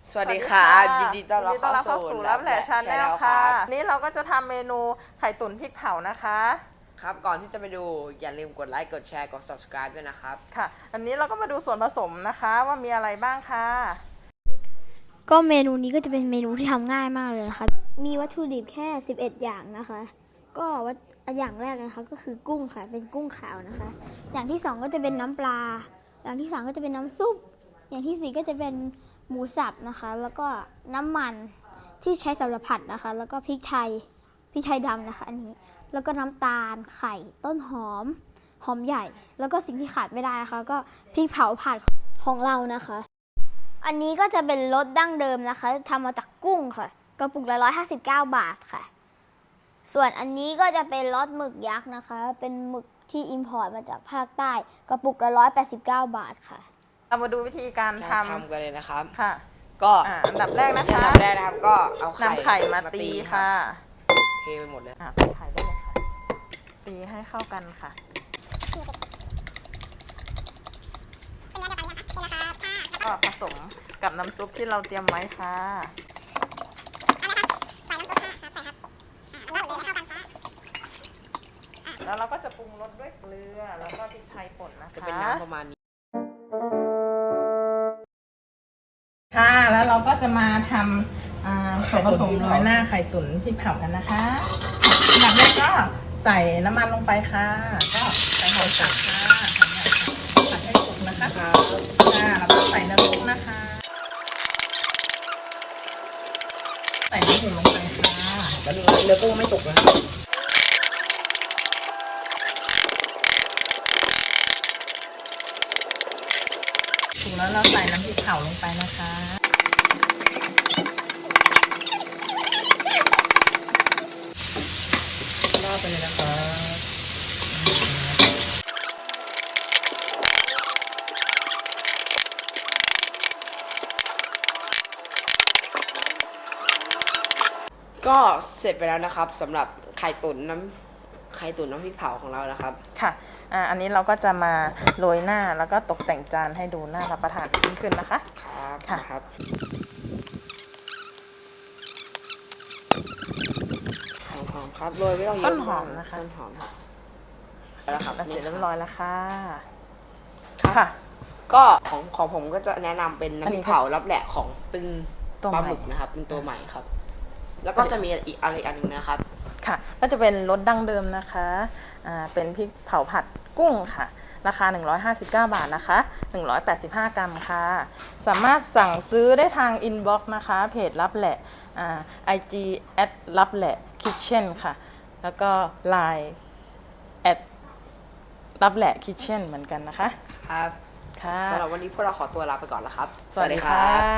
สวัสดีค่ะยินดีต้อนรับเข้าสู่รับแหล่ชาแนลคค่ะรับนี้เราก็จะทำเมนูไข่ตุ๋นพริกเผานะคะครับก่อนที่จะไปดูอย่าลืมกดไลค์กดแชร์กด subscribe ด้วยนะครับค่ะ อันนี้เราก็มาดูส่วนผสมนะคะว่ามีอะไรบ้างค่ะก็เมนูนี้ก็จะเป็นเมนูที่ทำง่ายมากเลยนะคะมีวัตถุดิบแค่11อย่างนะคะก็อย่างแรกนะคะก็คือกุ้งค่ะเป็นกุ้งขาวนะคะอย่างที่2ก็จะเป็นน้ำปลาอย่างที่3ก็จะเป็นน้ำซุปอย่างที่4ก็จะเป็นหมูสับนะคะแล้วก็น้ำมันที่ใช้สำหรับผัดนะคะแล้วก็พริกไทยดำนะคะอันนี้แล้วก็น้ำตาลไข่ต้นหอมใหญ่แล้วก็สิ่งที่ขาดไม่ได้นะคะก็พริกเผาผัดของเรานะคะอันนี้ก็จะเป็นรสดั้งเดิมนะคะทำมาจากกุ้งค่ะกระปุกละ159 บาทค่ะส่วนอันนี้ก็จะเป็นรสหมึกยักษ์นะคะเป็นหมึกที่อิมพอร์ตมาจากภาคใต้กระปุกละ189 บาทค่ะเรามาดูวิธีการททำกันเลยนะครับค่ะก็อันดับแรกนะคะอันดับแรกนะครับก็เอานำไข่มาตีค่ะเทไปหมดเลยตีไข่ได้เลยค่ะตีให้เข้ากันค่ะก็ผสมกับน้ำซุปที่เราเตรียมไว้ค่ะแล้วเราก็จะปรุงรสด้วยเกลือแล้วก็พริกไทยป่นนะคะจะเป็นน้ำประมาณนี้ค่ะแล้วเราก็จะมาทำส่วนผสมโรยหน้าไข่ตุ๋นพริกเผากันนะคะอันดับแรกก็ใส่น้ำมันลงไปค่ะก็ใส่หอมสับค่ะผัดให้สุกนะคะแล้วก็ใส่น้ำซุปนะคะใส่น้ำผึ้งลงไปค่ะแล้วดูเนื้อกุ้งไม่ตกนะถูกแล้วเราใส่น้ำพริกเผาลงไปนะคะราดไปเลยนะคะก็เสร็จไปแล้วนะครับสำหรับไข่ตุ๋นน้ำพริกเผาของเรานะครับค่ะอันนี้เราก็จะมาโรยหน้าแล้วก็ตกแต่งจานให้ดูน่ารับประทานขึ้นนะคะครับค่ะหอมครับโรยไม่ต้องเยอะต้นหอมนะคะต้นหอมแล้วครับเสร็จเรียบร้อยแล้วค่ะค่ะก็ของผมก็จะแนะนำเป็นน้ำพริกเผารับแหละของเป็นปลาหมึกนะครับเป็นตัวใหม่ครับแล้วก็จะมีอีกอะไรอันนึงนะครับค่ะก็จะเป็นรสดั้งเดิมนะคะเป็นพริกเผาผัดกุ้งค่ะราคา159 บาทนะคะ185 กรัมค่ะสามารถสั่งซื้อได้ทางอินบ็อกซ์นะคะเพจรับแหละIG รับแหละคิทเช่นค่ะแล้วก็ Line รับแหละคิทเช่นเหมือนกันนะคะครับค่ะสำหรับวันนี้พวกเราขอตัวลาไปก่อนแล้วครับสวัสดีค่ะ